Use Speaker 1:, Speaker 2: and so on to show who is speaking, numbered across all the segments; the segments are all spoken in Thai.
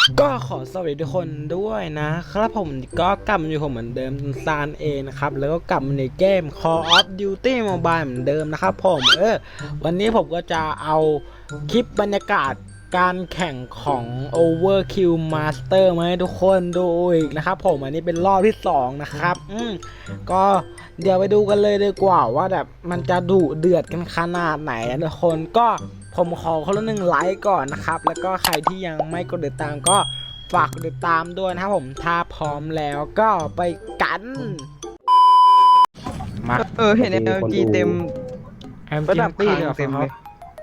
Speaker 1: ก็ขอสวัสดีทุกคนด้วยนะครับผมก็กลับมาอยู่ผมเหมือนเดิมซานเองนะครับแล้วก็กลับมาในเกม Call of Duty Mobile เหมือนเดิมนะครับผมวันนี้ผมก็จะเอาคลิปบรรยากาศการแข่งของ Overkill Master มาให้ทุกคนดูอีกนะครับผมอันนี้เป็นรอบที่2นะครับก็เดี๋ยวไปดูกันเลยดีกว่าว่าแบบมันจะดุเดือดกันขนาดไหนนะทุกคนก็ผมขอคนละ1 ไลค์ก่อนนะครับแล้วก็ใครที่ยังไม่กดติดตามก็ฝากกดติดตามด้วยนะครับผมถ้าพร้อมแล้วก็ไปกันมา
Speaker 2: เห็น LG เต็มระดับคางเต็มเลย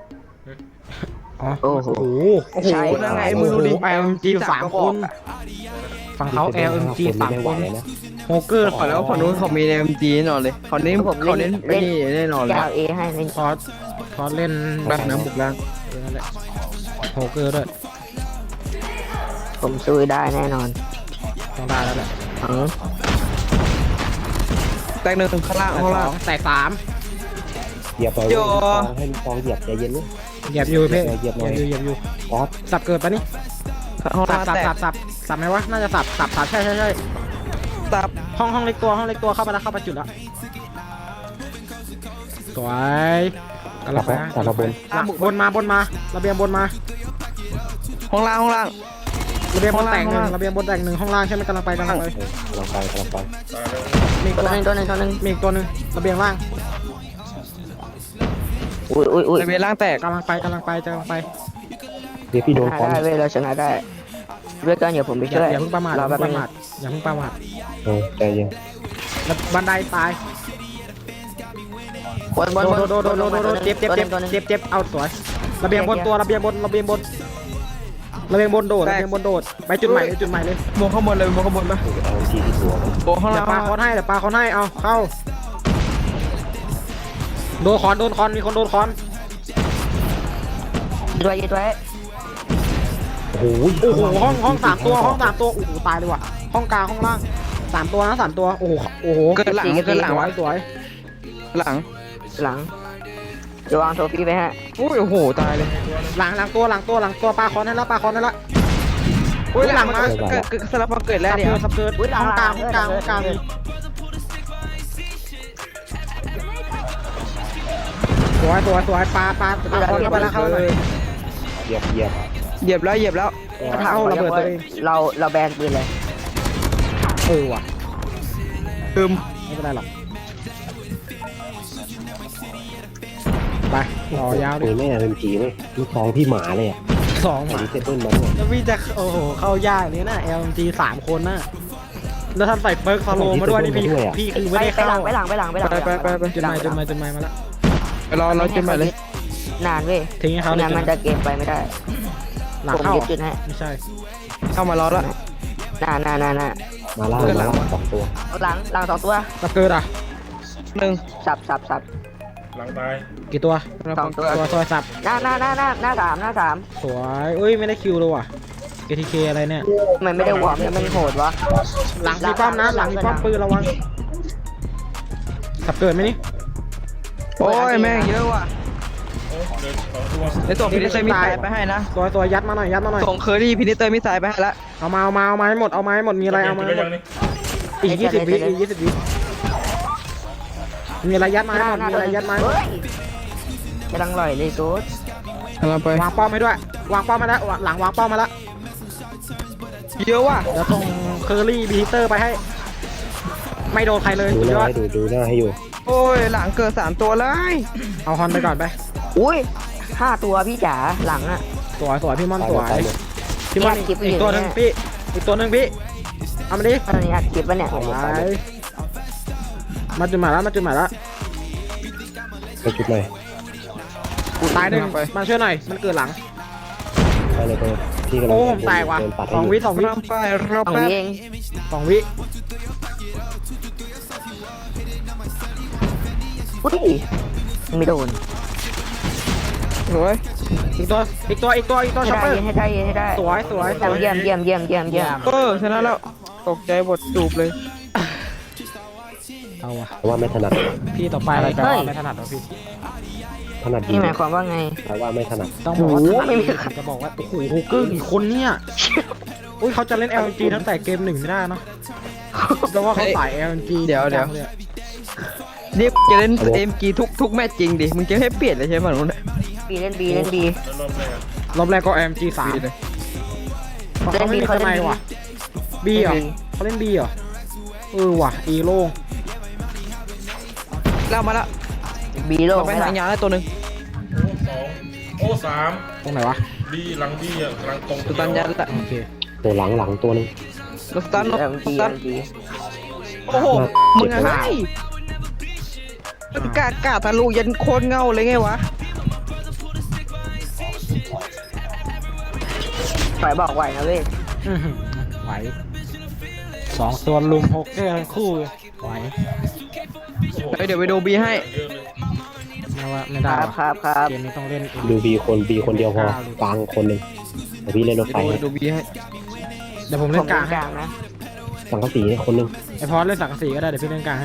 Speaker 1: โอ้โห
Speaker 2: ใช่แล้วไงมึงดูดิ
Speaker 1: LMG 3 คนฝั่งเขา LMG 3 คนโฮเกอร์
Speaker 2: ขอแล้วฝั่งนู้นเขามี LMG แน่นอนเลยเขาเน้นไอ้นี่แน่นอนเลย
Speaker 3: เอให้เล่น
Speaker 1: พอเล่น
Speaker 2: แบบน้ำบุกล่าง
Speaker 1: โฮเกอร์ด้วย
Speaker 3: ผมซื้อได้แน่นอน
Speaker 1: ต้องได้แล้วแหละ
Speaker 2: แตก1ข้างล่าง
Speaker 1: แตก
Speaker 4: 3เหยียบไปให้ลูกฟองเหยียบใจเย็นเลย
Speaker 1: เหยียบอยู่เพ่เหยียบอยู่
Speaker 4: ป๊อป
Speaker 1: สับเกิดปะนี่สับไหมวะน่าจะสับใช่
Speaker 2: สับ
Speaker 1: ห้องเล็กตัวเข้ามาจุดแล้วสวยกลับไปบนมาระเบียงบนมา
Speaker 2: ห้องล่าง
Speaker 1: ระเบียงบนแตก1ระเบียงบนแตก1ห้องล่างใช่ไหมกำลังไปมีตัวนึงมีตัวนึงระเบียงล่าง
Speaker 3: อุ้ย
Speaker 2: ระเบียงล่างแตก
Speaker 1: กำลังไป
Speaker 4: เดี๋ยวพี่โดนคอน
Speaker 3: ได้เว้ยเราชนะได้เว้ยกันอย่าผมไปช่วย
Speaker 1: อย่าเพิ่งประมาทอย่าเพิ่งประมาท
Speaker 4: ใจเย็น
Speaker 1: แล้วบันไดตาย
Speaker 3: บน
Speaker 1: เจ็บเอาสวยระเบียงบนระเบียงบนโดดไปจุดใหม่เลย
Speaker 2: มองข้างบนเลยมองข้างบนปะ
Speaker 4: เอาทีที่ตัว
Speaker 2: โอ้ข้างล่าง
Speaker 1: ปลาคอนให้เอาเข้าโดนคอนมีคนโดนคอน
Speaker 3: ด้วย
Speaker 4: โอ้โห
Speaker 1: ห้อง3 ตัวโอ้โหตายเลยว่ะห้องกลางห้องล่าง3 ตัวนะ3 ตัวโอ้โห
Speaker 2: เกิดหลัง
Speaker 1: สวย
Speaker 2: หลัง
Speaker 3: จะวางโทฟี่ไปฮะ
Speaker 2: โอ้โหตายเลย
Speaker 1: หลังตัวปลาคอนให้แล้ว
Speaker 2: อุ้ยหลังมาสลับมาเกิดแล้วเดี๋ยว
Speaker 1: สับเกิดห้องกลางสวยปลาคอนเข้าไปแล้วเข้าเลย
Speaker 4: เหยียบ
Speaker 2: แล้ว
Speaker 1: เอาระเบิดตัวเอง
Speaker 3: เราแบนปืนเลย
Speaker 1: ว่ะไม่เป็นไรหรอกไปต่อยาว
Speaker 4: ดิแม่เป็นผีเลยลูกฟองพี่หมาเลย
Speaker 1: 2 หมา
Speaker 4: เซเปิลมัน
Speaker 1: แล้วพี่จะเข้ายากนี้นะ LMG 3 คนนะแล้วทำใส่เปิร์กฟาโลมาด้วยนี่พี่คือไม่ได้เข้า
Speaker 3: ไปหลัง
Speaker 1: จุดใหม่มาแล้ว
Speaker 2: รอจุดใหม่เลย
Speaker 3: นานเว้ย
Speaker 1: ทิ้งให้เขา
Speaker 3: เนี่ยมันจะเกมไปไม่ได้
Speaker 1: หลังเข้า
Speaker 3: จุดให้
Speaker 1: ไม่ใช่
Speaker 2: เข้ามารอแล้ว
Speaker 3: น่า
Speaker 4: มาล่า2 ตัว
Speaker 3: หลัง2 ตัว
Speaker 1: สับเกิด
Speaker 3: 1สับ
Speaker 1: หลังตายกี่ตัว
Speaker 3: 2 ตัว
Speaker 1: สับ
Speaker 3: หน้า3
Speaker 1: สวยไม่ได้คิวเลยว่ะ ATK อะไรเนี่ย
Speaker 3: มันไม่ได้วอร์มมันโหดวะ
Speaker 1: หลังมีป้อมนะหลังมีป้อมปืนระวังสับเกิดไหมนี่
Speaker 2: โอ้ยแม่งเยอะว่ะในส่งพินิเตอร์มิสไซล์ไปให้นะ
Speaker 1: ตัวยัดมาหน่อย
Speaker 2: ส่งเคอรี่พินิเตอร์มิสไซล์ไปให้ละ
Speaker 1: เอามาให้หมดมีอะไรเอามาหมดอีก20 วิมีอะไรยัดมาให้หมด
Speaker 3: กำลังลอยเลยกู
Speaker 2: ไป
Speaker 1: วางป้อมให้ด้วยวางป้อมมาแล้วหลังวางป้อมมาแล้ว
Speaker 2: เยอะว่ะ
Speaker 1: แล้วส่งเคอรี่บีเตอร์ไปให้ไม่โดนใครเลย
Speaker 4: ดูหน้าให้อยู่
Speaker 2: โอ้ยหลังเกิด3 ตัวเลย
Speaker 1: เอาฮอนไปก่อนไป
Speaker 3: อุ้ย5 ตัวพี่จ๋าหลังอ่ะ
Speaker 1: สวยพี่ม่อนสวยพี่ม่อนอีกตัวนึงพี่เอามาดิ
Speaker 3: ตอนนี้อัดคลิปวะเนี่ย
Speaker 1: มาจุดหมายแล้ว
Speaker 4: ไปจุดไหน
Speaker 1: ตาย1มาช่วยหน่อยมันเกิดหลัง
Speaker 4: ไปเลยพี่กำลัง
Speaker 1: ผมแตกว่ะ2 วิ
Speaker 2: ไปรอบ
Speaker 3: 2 วิเอง
Speaker 1: 2 วิ
Speaker 3: อุ้ยไม่โดน
Speaker 2: สวย
Speaker 1: อีกตัวช็อปเปอร์
Speaker 3: ให้ได้
Speaker 1: สวย
Speaker 3: เยี่ยม
Speaker 2: ชนะแล้วตกใจบทจูบเลย
Speaker 1: เอาว่ะ
Speaker 4: ว่าไม่ถนัด
Speaker 1: พี่ต่อไปอะไรกันไม่ถนัดหรอพี่
Speaker 4: ถนัดดี
Speaker 3: หมายความว่าไง
Speaker 4: ว่าไม่ถนัด
Speaker 1: ต้องบอกว่าไม่มีจะบอกว่าโอ้โหเกิ้งอีกคนเนี่ยอุ้ยเขาจะเล่น LNG ตั้งแต่เกม1ไม่ได้เนาะเพราะว่าเขาสาย LNG
Speaker 2: เดี๋ยว
Speaker 1: จังลอะ
Speaker 2: นี่จะเล่นเอ็มจีทุกแมตช์จริงดิมึงจะให้เปลี่ยนเลยใช่ไหมนู้น
Speaker 3: บีเล่นบีเล่นบี
Speaker 1: รอบแรกก็ LNG 3
Speaker 2: เลย
Speaker 1: เขาไม่มีทนายว่ะ B เหรอเขาเล่น B เหรอว่ะ E โล่ง
Speaker 2: เล่ามาละ
Speaker 3: บีโล
Speaker 2: เราไป
Speaker 3: ไม่
Speaker 2: ทา
Speaker 3: ละ
Speaker 2: งยาวแล้วตัวหนึ่ง
Speaker 5: โอ้สาม
Speaker 1: ตรงไหนวะ
Speaker 5: บีหลังบีอ่ะหลังตรง
Speaker 2: ตัวตันยันละ
Speaker 1: โอเค
Speaker 4: ตัวหลังตัวนึง
Speaker 2: ตัวตัน
Speaker 3: เอ็ม
Speaker 2: ตัว
Speaker 3: จี
Speaker 2: ตั
Speaker 3: เอ็
Speaker 2: น
Speaker 3: มจี
Speaker 2: โอ้โหมึงอะไรมันกาทะลุยันโคนเงาเลยไงวะ
Speaker 3: ฝ่ายบอกไหวนะเว้ย
Speaker 1: อื้อหือไหว2ตัวลุม6แค่ทั้งคู่เลยไหว
Speaker 2: เดี๋ยวไปดูบีให้
Speaker 1: ไม่
Speaker 3: ค
Speaker 1: ได้
Speaker 3: รับ
Speaker 1: ว่ะ
Speaker 3: ครับ
Speaker 1: เกมนี้ต้องเล่นเอง
Speaker 4: ดูบีคนเดียวพอกลางคนหนึ่งเดี๋ยวพี่เล่นรถไฟ
Speaker 2: ดูบีให้
Speaker 1: เดี๋ยวผม
Speaker 3: ผ
Speaker 1: เล่
Speaker 3: ม
Speaker 1: นก
Speaker 3: เล่
Speaker 1: ลาง
Speaker 3: นกลางนะ
Speaker 4: สังกะสีคนหนึ่ง
Speaker 1: ไอพอสเล่นสังกะสีก็ได้เดี๋ยวพี่เล่นกลางให้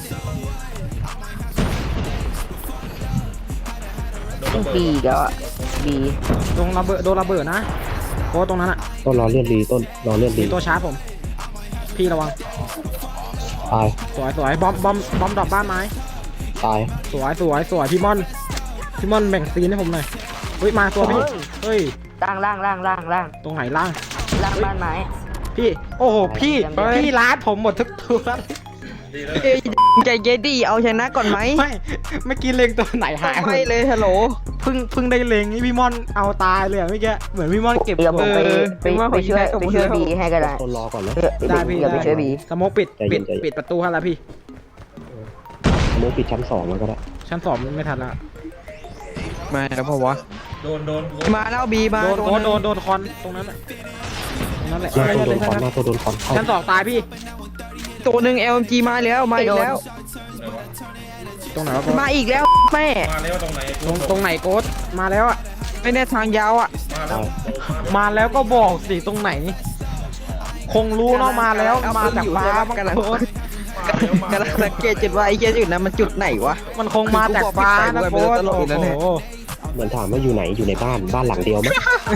Speaker 3: บีก็บี
Speaker 1: โดนระเบิดนะโค้ชตรงนั้นอ่ะ
Speaker 4: ต้นรอเลื่อนรีต้นรอเลื่อนรี
Speaker 1: มีตัวชาร์จผม พี่ระวัง
Speaker 4: ตาย
Speaker 1: สวยบอมดรอปบ้านไม้
Speaker 4: ตาย
Speaker 1: สวยพี่ม่อนแบ่งซีนให้ผมหน่อยเฮ้ยมาตัวพี่เฮ้ย
Speaker 3: ล่าง
Speaker 1: ตรงไหนล่าง
Speaker 3: บ้านไม้
Speaker 1: พี่โอ้โหพี่
Speaker 3: เฮ้ย
Speaker 1: พี่ล้าดผมหมดทุกตัว
Speaker 5: ดีแล้ว
Speaker 2: เอ้ยใจเย็นดิเอาชนะก่อนไหม
Speaker 1: ไม่เมื่อกี้เล็งตัวไหนหายหม
Speaker 2: ไม่
Speaker 1: ด
Speaker 2: เลยฮัลโหล
Speaker 1: เพิ่งได้เล็งนี่พี่ม่อนเอาตายเลยอะเมื่อกี้เหมือนพี่ม่อนเก็บ
Speaker 3: เดี๋ยวผม
Speaker 1: ตัว
Speaker 3: ไปช่วยบีให้ก็ได้
Speaker 4: ต้นรอก่อนนะ
Speaker 1: ได้พี่
Speaker 3: เดี๋ยวไปช่วยบี
Speaker 1: สโมกปิด
Speaker 4: ใจเย็นใจเย็น
Speaker 1: ปิดประตูให้แล้วพี่
Speaker 4: สมมติปิดชั้น2แล้วก็ได้
Speaker 1: ชั้นสองไม่ทันละ
Speaker 2: มาแล้วพอวะ
Speaker 5: โดน
Speaker 2: มาแล้วบีมา
Speaker 1: โดนคอนตรงนั้นน่ะตรงนั้นแหละ
Speaker 4: หน้าตัวโดนคอนหน้าตัวโดนคอนเข้า
Speaker 1: ชั้นสองตายพี่
Speaker 2: ตัวหนึ่ง LMG มาแล้วมาอีกแล้ว
Speaker 1: ตรงไหนวะโค้ช
Speaker 2: มาอีกแล้วแม่
Speaker 5: มาแล้วตรงไหน
Speaker 1: ตรงไหนโค้ชมาแล้วอ่ะ
Speaker 2: ไม่แน่ทางยาวอ่ะ
Speaker 5: มาแล้ว
Speaker 1: มาแล้วก็บอกสิตรงไหน คงรู้เนาะมาแล้วมาจากฟ้าบ้าง
Speaker 2: กำลัง
Speaker 1: โค้ช
Speaker 2: กำลังสังเกตจุดว่าไอ้เหี้ยจุดนั้นมันจุดไหนวะ
Speaker 1: มันคงมาจากฟ้านะโค้ช
Speaker 2: ตลกอีกแล้วเนี่ย
Speaker 1: โอ้โห
Speaker 4: เหมือนถามว่าอยู่ไหนอยู่ในบ้านหลังเดียวมั้ย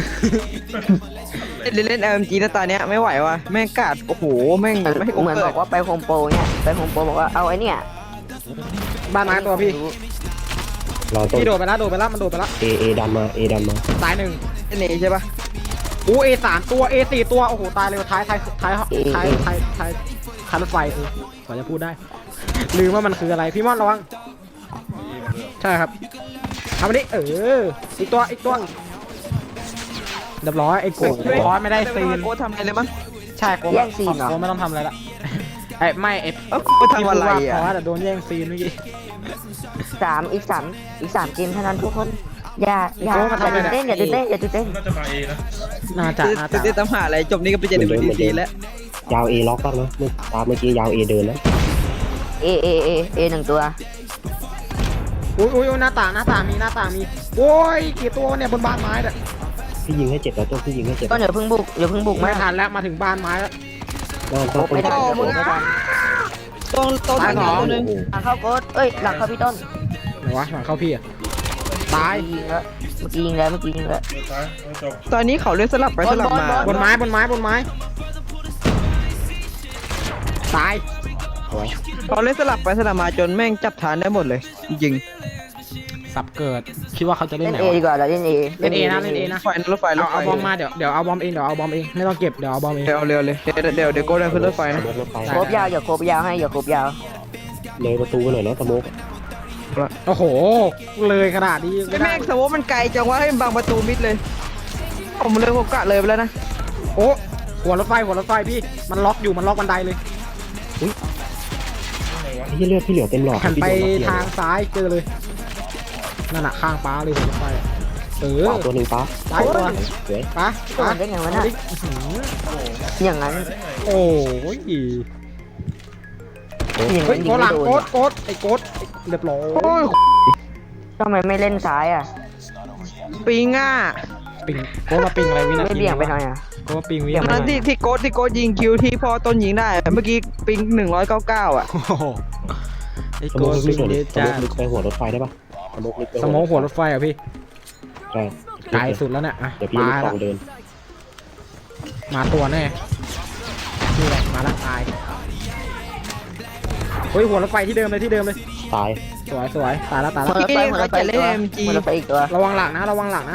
Speaker 2: เล่น LMG นะตาเนี้ยไม่ไหวว่ะแม่งกาดโอ้โหแม่งไม่ให้
Speaker 3: เหมือนบอกว่าไปโฮมโปรเนี่ยไปโฮมโปรบอกว่าเอาไอ้เนี่ย
Speaker 1: บ้านไม้ตัวพี่
Speaker 4: รอต้น
Speaker 1: พี่โดดไปแล้วมันโดดไปแล้ว
Speaker 4: เอดันมา
Speaker 1: ตายหนึ่ง
Speaker 2: เน่ใช่ปะ
Speaker 1: โอ้A3ตัว A4ตัวโอ้โหตายเลยท้ายรถไฟกว่าจะพูดได้ลืมว่ามันคืออะไรพี่ม่อนระวังใช่ครับทำอันนี้อีกตัวเรียบร้อยไอ้โกดคอสไม่ได้ซีน
Speaker 2: โค้ชทำอะไรเลยมั้ง
Speaker 1: ใช่โกดโกดไม่ต้องทำอะไรละไม่ไอ้
Speaker 2: โค้ชทำอะไร
Speaker 1: คอ
Speaker 2: อ่ะ
Speaker 1: สโดนแย่งซีนเมื่อกี้
Speaker 3: อีกสามเกมเท่านั้นทุกคนอย่าตื่นเต้น
Speaker 5: น่าจะมาเอนะ
Speaker 1: น่าจะ
Speaker 2: จะทำหาอะไรจบนี้ก็ไปเจอในบีซีแล้ว
Speaker 4: ยาวเอล็อกบ้างนะเมื่อกี้ยาวเอเดินนะ
Speaker 3: เอหนึ่งตัว
Speaker 1: อุ้ยหน้าต่างมีโอ้ยกี่ตัวเนี่ยบนบ้านไม้เนี่ย
Speaker 4: พี่ยิงให้เจ็บแล้วต้นพี่ยิงให้เจ็บ
Speaker 3: ต้นอย่าเพิ่งบุก
Speaker 1: ไม่
Speaker 3: มา
Speaker 1: ทันแล้วมาถึงบ้านไม้แล้ว
Speaker 4: ต้น
Speaker 3: ไม่ได้ไม่ทัน
Speaker 2: ต้นทางนี้ตัวนึง
Speaker 3: หลังเข้าโกดหลังเข้าพี่ต้น
Speaker 1: ไหนวะหลังเข้าพี่อะตาย
Speaker 3: ยิงแล้วเมื่อกี้ยิงแล้ว
Speaker 5: ซ้ายจบ
Speaker 2: ตอนนี้เขาเล่นสลับไปสลับมา
Speaker 1: บนไม้ตาย
Speaker 2: เขาเล่นสลับไปสลับมาจนแม่งจับฐานได้หมดเลยจริง
Speaker 1: สับเกิดคิดว่าเขาจะเล่
Speaker 3: เล่
Speaker 1: น
Speaker 3: น
Speaker 1: ไหน
Speaker 3: เอ
Speaker 1: วะ
Speaker 3: ดีกว่าเราเล่นเอ
Speaker 1: เล่นเอนะ
Speaker 2: ๆไฟรถไฟ
Speaker 1: เอาบอมมาเดี๋ยวเอาบอมเองไม่ต้องเก็บเดี๋ยวเอาบอมเอง
Speaker 2: เร็วเลยเดี๋ยวโก้เดินขึ้นรถไฟนะ
Speaker 4: รถไฟ
Speaker 3: โคบยาวอย่าโคบยาวให้อย่าโคบยาว
Speaker 4: เลยประตูไปหน่อยนะสโมก
Speaker 1: โอ้โหเลยขนาดนี้
Speaker 2: ไอ้แม่งสมมติมันไกลจังว่าให้มันบังประตูมิดเลยผมกะเลยไปแล้วนะ
Speaker 1: โอ้หัวรถไฟพี่มันล็อกบันไดเลย
Speaker 4: พี่เลือดพี่เหลือเต็มหลอด
Speaker 1: หันไปทางซ้ายเจอเลยนั่นน่ะข้างป้าเลยหัวรถไฟ
Speaker 4: ขวาตัวหนึ่งป้า
Speaker 1: ซ้ายตัว
Speaker 4: สวย
Speaker 1: ป้า
Speaker 3: ตัวได้ไงวะน่ะอย่างนั้น
Speaker 1: โอ้ย
Speaker 3: อย่าง
Speaker 1: เฮ้
Speaker 3: นั้
Speaker 1: ย
Speaker 3: นยิ
Speaker 1: โก
Speaker 3: ง
Speaker 1: หลั
Speaker 3: ไม่
Speaker 1: ง
Speaker 3: โดน
Speaker 1: โกดไอ้โกดเรียบร้อย
Speaker 2: โอ้ย
Speaker 3: ทำไมไม่เล่นซ้ายอ่ะ
Speaker 2: ปิงอ่ะ
Speaker 1: ปิงโกดมาปิงอะไรวินา
Speaker 3: ไม่
Speaker 1: ที
Speaker 3: เบี่ยงไปหน่อยอ่ะ
Speaker 1: โกดมาปิงวิ
Speaker 2: ตอน
Speaker 1: นา
Speaker 2: นั้น
Speaker 1: ที
Speaker 2: ที่โก้ยิงคิวที่พอต้นยิงได้เมื่อกี้ปิง199อ่ะ
Speaker 1: โอ้โหไอ้
Speaker 4: ส
Speaker 1: โก
Speaker 4: โม
Speaker 1: ด
Speaker 4: ก
Speaker 1: ปิ
Speaker 4: ลึ
Speaker 1: ง
Speaker 4: ก
Speaker 1: เด
Speaker 4: ส
Speaker 1: จ้า
Speaker 4: โมกลึกไปหัวรถไฟได้ปะสโมกลึกไป
Speaker 1: สมองหัวรถไฟอ่ะพี่
Speaker 4: ใช่
Speaker 1: ไกลสุดแล้วเนี่ยอ่ะ
Speaker 4: เดี๋ยวพี่
Speaker 1: ปา
Speaker 4: ลูก
Speaker 1: ละ
Speaker 4: สองเดิน
Speaker 1: มาตัวแน่นี่แหละมาละตายเฮ้ยหัวรถไฟที่เดิมเลย
Speaker 4: ตาย
Speaker 1: สวยตายแล้ว
Speaker 3: หัวรถไฟหัวรถไฟอีกตัวหัวรถไฟอีกตัว
Speaker 1: ระวังหลังนะ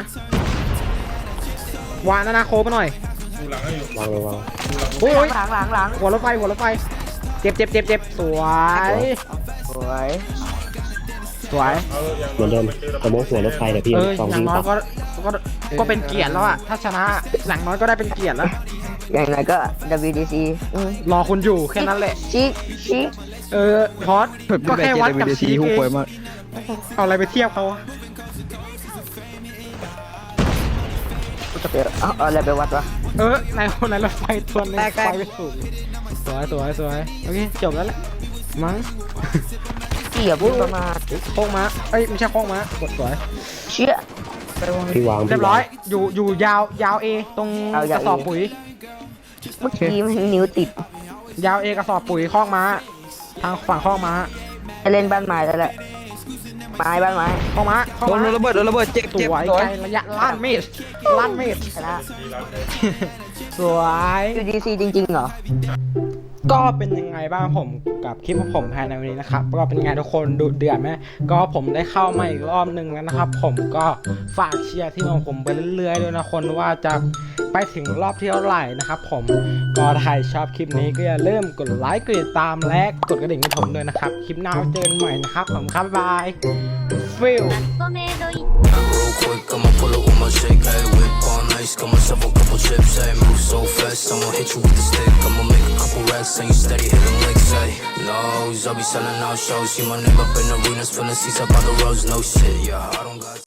Speaker 1: วางนะโคไปหน่อย
Speaker 5: ดูหลังให้อยู่
Speaker 4: วางเลยวาง
Speaker 1: โอ้ย
Speaker 3: หลัง
Speaker 1: หัวรถไฟเจ็บสวย
Speaker 3: สวย
Speaker 5: เอาอย่าง
Speaker 4: เหมือนเดิมสมมติหัวรถไฟเดี๋ยวพี่
Speaker 1: อ
Speaker 4: ตอง
Speaker 1: ย่า
Speaker 4: ยิ
Speaker 1: ง
Speaker 4: ง
Speaker 1: น้อย
Speaker 4: ตัด
Speaker 1: ก็เป็นเกียรติแล้วอะถ้าชนะอย่างน้อยก็ได้เป็นเกียรติแล้ว
Speaker 3: อย่างไรก็ WDC
Speaker 1: รอคุณอยู่แค่นั้นแหละ
Speaker 3: ชิค
Speaker 1: พอสก็แค่วัดกับชี
Speaker 2: หุ้
Speaker 1: เอ
Speaker 2: ป่วย
Speaker 1: ง
Speaker 2: มาก
Speaker 1: เอาอะไรไปเทียบเขาอะ
Speaker 3: เอาอะไรไปวัดวะ
Speaker 1: ในคนไหนรถไฟตัวนึงไฟไปสูงสวยโอเคจบแล้วแหละมั้ง
Speaker 3: พี่อย่าพูดประมาท
Speaker 1: โค้งม้าไม่ใช่โค้งม้ากดสวย
Speaker 3: เชี่ย
Speaker 4: พี่วาง
Speaker 1: เรียบร้อยอยู่ยาวเอตรงกระสอบปุ๋ย
Speaker 3: เมื่อกี้มันนิ้วติด
Speaker 1: ยาวเอกระสอบปุ๋ยคอกม้าทางฝั่งคอกม้า
Speaker 3: จะเล่นบ้านไม้แล้วแหละบ้านไม้
Speaker 1: คอกม้าคอก
Speaker 2: โด
Speaker 1: ม้าน
Speaker 2: ระเบิดเจ็บ
Speaker 1: สวยไกลระยะลั่นเมตร
Speaker 3: ชนะ
Speaker 1: สวย
Speaker 3: WDC จริงๆเหรอ
Speaker 1: ก็เป็นยังไงบ้างผมกับคลิปของผมภายในวันนี้นะครับก็เป็นไงทุกคนดูเดือดไหมก็ผมได้เข้ามาอีกรอบหนึ่งแล้วนะครับ ผมก็ฝากเชียร์ที่ของผมไปเรื่อยๆด้วยนะคนว่าจะไปถึงรอบที่เท่าไหร่นะครับ ผมก็ถ้าใครชอบคลิปนี้ก็อย่าลืมกดไลค์กดติดตามและกดกระดิ่งให้ผมด้วยนะครับคลิปหน้าเจอกันใหม่นะครับผมครับบ๊ายบายฟิล
Speaker 6: Real quick, I'ma pull up with my shake, ayy, whip on ice, got myself a couple chips, ayy, move so fast, I'ma hit you with the stick, I'ma make a couple racks, and you steady hitting licks, ayy, nose, I'll be selling out shows, see my name up in arenas, filling seats up on the roads, no shit, yeah, I don't got